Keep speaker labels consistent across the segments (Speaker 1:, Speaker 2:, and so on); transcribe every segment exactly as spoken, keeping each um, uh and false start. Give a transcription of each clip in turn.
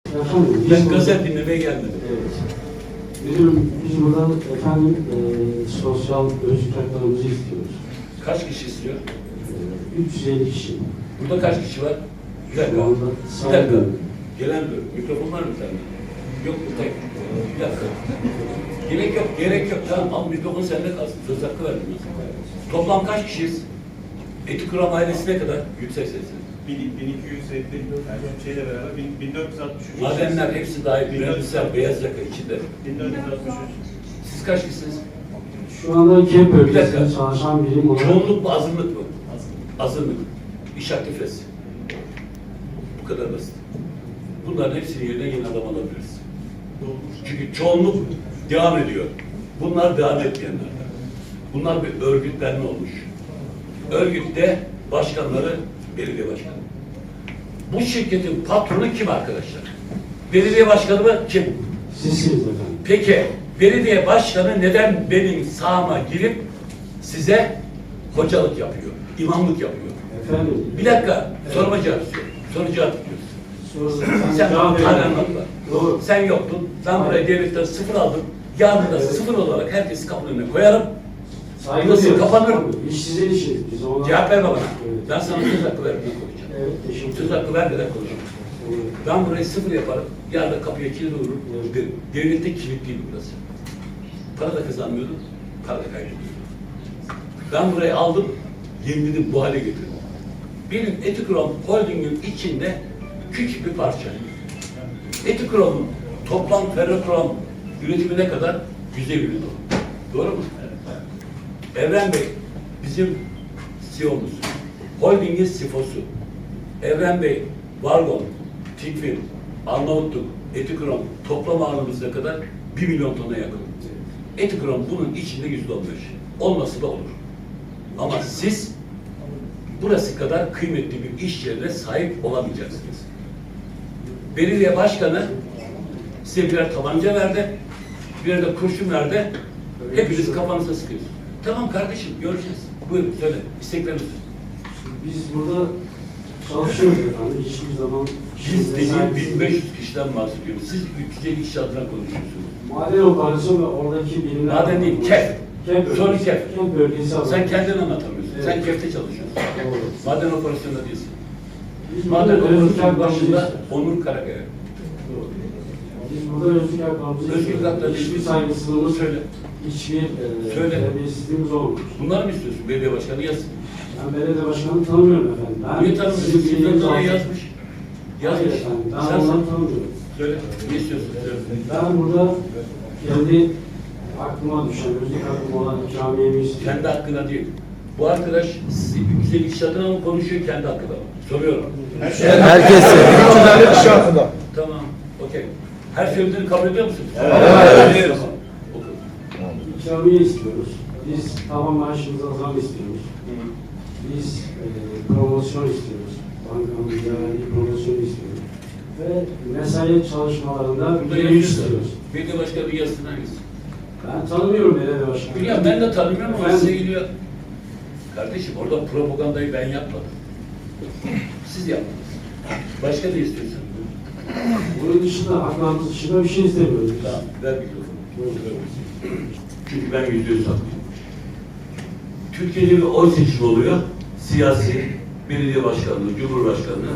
Speaker 1: Efendim,
Speaker 2: Ben gazete dinlemeye gelmedim.
Speaker 1: Evet. Müdürüm, biz buradan efendim e, sosyal özgürlük haklarımızı istiyoruz.
Speaker 2: Kaç kişi istiyor?
Speaker 1: E, üç yüz elli kişi.
Speaker 2: Burada kaç kişi var? Bir dakika.
Speaker 1: Şu anda
Speaker 2: Bir dakika. Gelen bir mikrofon var mı sende? Yok bu tek. Bir dakika. Gerek yok, gerek yok. Tamam, al mikrofon sende kalsın. Söz hakkı verdim ben. Toplam kaç kişiyiz? Eti Kuram ailesine kadar yüksek sesli.
Speaker 3: bin iki yüz elli yani şeyle beraber bin dört yüz altmış üç.
Speaker 2: Madenler hepsi dahil. Mühendisler, beyaz yaka içinde.
Speaker 3: bin dört yüz altmış üç.
Speaker 2: Siz kaç kişisiniz?
Speaker 1: Şu anda KEP
Speaker 2: Bir
Speaker 1: bölgesinde
Speaker 2: dakika.
Speaker 1: çalışan birim olarak
Speaker 2: Çoğunluk mu, azınlık mı? Azınlık. İş aktifesi. Bu kadar basit. Bunların hepsini yerine yeni adam alabiliriz. Çünkü çoğunluk devam ediyor. Bunlar devam etmeyenler. Bunlar bir örgütlenme olmuş. Örgütte başkanları belediye başkanı. Bu şirketin patronu kim arkadaşlar? Belediye başkanı mı? Kim?
Speaker 1: sizsiniz efendim.
Speaker 2: Peki belediye başkanı neden benim sahama girip size hocalık yapıyor, imamlık yapıyor?
Speaker 1: Efendim.
Speaker 2: Bir dakika, soruma cevap istiyorum. Soru cevap istiyorsun.
Speaker 1: Soru-
Speaker 2: Sen
Speaker 1: cevap
Speaker 2: hala
Speaker 1: verin.
Speaker 2: anlatma.
Speaker 1: Doğru.
Speaker 2: Sen yoktun. Ben buraya devletten sıfır aldım. Yarın da
Speaker 1: Evet.
Speaker 2: sıfır olarak herkesi kapının önüne koyarım.
Speaker 1: Saygı
Speaker 2: Burası
Speaker 1: duyuyoruz.
Speaker 2: kapanır.
Speaker 1: İş sizin işiniz. Biz ona...
Speaker 2: Cevap verme bana.
Speaker 1: Evet.
Speaker 2: Ben sana söz hakkı vermeden konuşacağım.
Speaker 1: Evet, teşekkür
Speaker 2: Söz
Speaker 1: ederim.
Speaker 2: hakkı vermeden konuşacağım.
Speaker 1: Evet.
Speaker 2: Ben burayı sıfır yaparım. Yarın da kapıya kilit vururum.
Speaker 1: Evet.
Speaker 2: De- Devlette kilitliydi burası. Para da kazanmıyordum. Para da kaybediyordum. Ben burayı aldım. Yeniledim, bu hale getirdim. Benim Etikrom Holding'in içinde küçük bir parça. Etikrom'un toplam ferrokrom üretimi ne kadar? yüz elli milyon. Doğru mu? Evren Bey bizim C E O'muz. Holding'in C F O'su. Evren Bey, Vargon, Tikvin, Arnavutluk, Etikrom toplam ağırlığımız ne kadar? bir milyon tona yakın. Etikrom bunun içinde yüzde on beş. Olması da olur. Ama siz burası kadar kıymetli bir iş yerine sahip olamayacaksınız. Belediye başkanı size birer tabanca verdi, birer de kurşun verdi. Hepiniz kafanıza sıkıyorsunuz. Tamam kardeşim, görüşürüz. Buyurun, söyle. İstekleriniz.
Speaker 1: Biz burada çalışıyoruz efendim. Hiçbir zaman
Speaker 2: Biz
Speaker 1: işimize
Speaker 2: dediğim
Speaker 1: saygısız-
Speaker 2: bin beş yüz kişiden bahsediyoruz. Siz üç yüz elli kişi adına konuşuyorsunuz.
Speaker 1: Maden operasyon ve oradaki bilimler...
Speaker 2: Maden değil, KEF.
Speaker 1: KEF
Speaker 2: Sonra
Speaker 1: bölgesi.
Speaker 2: KEF.
Speaker 1: KEF bölgesi alanı.
Speaker 2: Sen kendini anlatamıyorsun.
Speaker 1: Evet.
Speaker 2: Sen KEF'te çalışıyorsun.
Speaker 1: Doğru.
Speaker 2: Maden operasyonunda değilsin.
Speaker 1: Biz
Speaker 2: Maden
Speaker 1: burada özgürlük
Speaker 2: operasyonunun
Speaker 1: haklarımızı
Speaker 2: başında
Speaker 1: istiyoruz.
Speaker 2: Onur Karakaya.
Speaker 1: Doğru. Biz burada özgürlük haklarımızı
Speaker 2: Özgürlük
Speaker 1: istiyoruz.
Speaker 2: haklarını
Speaker 1: Hiçbir
Speaker 2: istiyorsun.
Speaker 1: saygısızlığımız,
Speaker 2: Söyle.
Speaker 1: hiçbir e,
Speaker 2: Söyle.
Speaker 1: terbiyesizliğimiz olmamış.
Speaker 2: Bunları mı istiyorsun? Belediye başkanı yazsın.
Speaker 1: Ben belediye başkanını tanımıyorum efendim. Ben
Speaker 2: Niye tanımıyorsun?
Speaker 1: sizin
Speaker 2: Yıllardır
Speaker 1: bildiğiniz
Speaker 2: oraya
Speaker 1: altı-
Speaker 2: yazmış.
Speaker 1: Hayır
Speaker 2: Yazmış.
Speaker 1: efendim, ben
Speaker 2: Sen
Speaker 1: onları tanımıyorum.
Speaker 2: söyle. Ne istiyorsun? Söyle.
Speaker 1: Ben burada kendi aklıma düşen, özlük hakkım olan ikramiyeyi istiyorum.
Speaker 2: Kendi hakkına değil. Bu arkadaş sizi yüz elli kişi adına mı konuşuyor, kendi hakkında mı? Soruyorum.
Speaker 4: Herkesi. üç yüz elli kişi hakkında.
Speaker 2: Tamam, okey. Her söylediğini kabul ediyor musunuz?
Speaker 4: Evet.
Speaker 2: Ediyoruz. Oku.
Speaker 1: İkramiye istiyoruz. Biz taban maaşımıza zam istiyoruz. Biz e, promosyon istiyoruz. Bankamızda verdiği promosyon istiyoruz. Ve mesai çalışmalarında
Speaker 2: Burada
Speaker 1: bir
Speaker 2: yazıyor.
Speaker 1: istiyoruz.
Speaker 2: Belediye başkanı yazsın hangisi?
Speaker 1: Ben tanımıyorum belediye başkanı.
Speaker 2: Biliyorum, ben de tanımıyorum ama
Speaker 1: Ben-
Speaker 2: size geliyor. Kardeşim orada propagandayı ben yapmadım. Siz yaptınız. Başka ne istiyorsun?
Speaker 1: Bunun dışında, haklarımız dışında bir şey istemiyoruz.
Speaker 2: Tamam, ver mikrofonu. Çünkü ben yüzde yüz haklıyım. Türkiye'de bir oy seçimi oluyor. Siyasi, belediye başkanlığı, cumhurbaşkanlığı.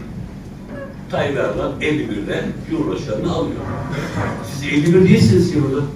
Speaker 2: Tayyip Erdoğan elli birde cumhurbaşkanlığı alıyor. Siz elli bir değilsiniz ki burada.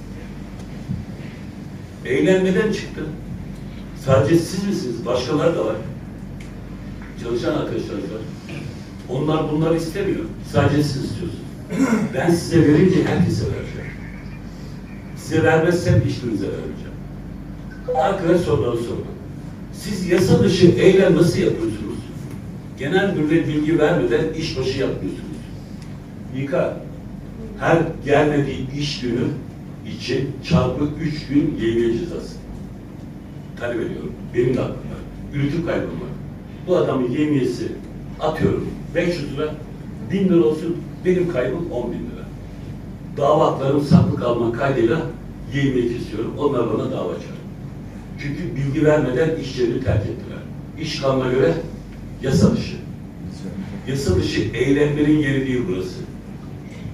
Speaker 2: Eylem neden çıktı? Sadece siz misiniz? Başkaları da var. Çalışan arkadaşlarınız var. Onlar bunları istemiyor. Sadece siz istiyorsunuz. Ben size verince herkese vereceğim. Size vermezsem hiçbirinize vermeyeceğim. Arkadaş soruları sordu. Siz yasa dışı eylem nasıl yapıyorsunuz? Genel müdüre bilgi vermeden iş başı yapmıyorsunuz. İK, her gelmediği iş günü için çarpı üç gün yevmiye cezası talep ediyorum. Benim de aklım var. Üretim kaybım var. Bu adamın yevmiyesi atıyorum beş yüz lira, bin lira olsun, benim kaybım on bin lira. Dava haklarım saklı kalma kaydıyla yevmiye kesiyorum. Onlar bana dava açar. Çünkü bilgi vermeden iş yerini terk ettiler. İş kanuna göre yasa dışı. Yasa dışı eylemlerin yeri değil burası.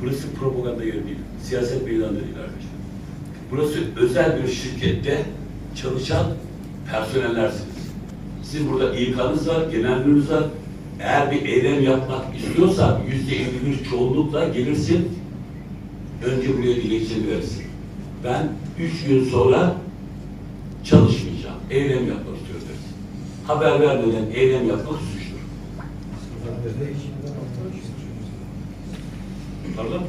Speaker 2: Burası propaganda yeri değil. Siyaset meydanı değil arkadaşlar. Burası özel bir şirkette çalışan personellersiniz. Sizin burada İK'nız var, genel müdürünüz var. Eğer bir eylem yapmak istiyorsan yüzde elli bir çoğunlukla gelirsin. Önce buraya dilekçeni verirsin. Ben üç gün sonra çalışmayacağım. Eylem yapmak istiyorum dersin. Haber vermeden eylem yapmak suçtur. Pardon?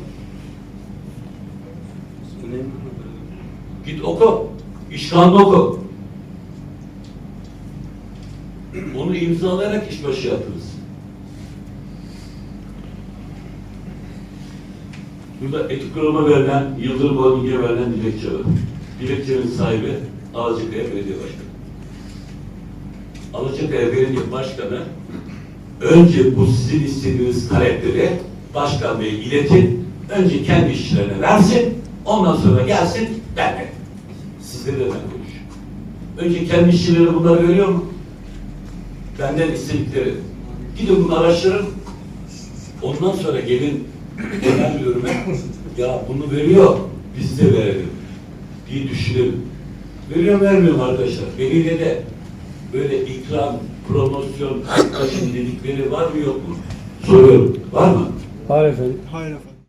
Speaker 2: Git oku. İş kanunu oku. Onu imzalayarak işbaşı yaptınız. Burada etik kuruma verilen, Yıldırım Holding'e verilen dilekçe var. Dilekçenin sahibi Alacakaya Belediye Başkanı. Alacakaya Belediye Başkanı önce bu sizin istediğiniz talepleri Başkan Bey'e iletin, önce kendi işçilerine versin, ondan sonra gelsin benle. Sizle de ben konuşayım. Önce kendi işçileri bunları veriyor mu? Benden istedikleri. Gidin bunu araştırın. Ondan sonra gelin genel müdürüme ya bunu veriyor, biz de verelim diye düşünelim. Veriyor mu vermiyor mu arkadaşlar? Belediye de böyle ikram, promosyon, taşın dedikleri var mı yok mu? Soruyorum. Var mı?
Speaker 4: Hayır efendim.
Speaker 5: Hayır efendim.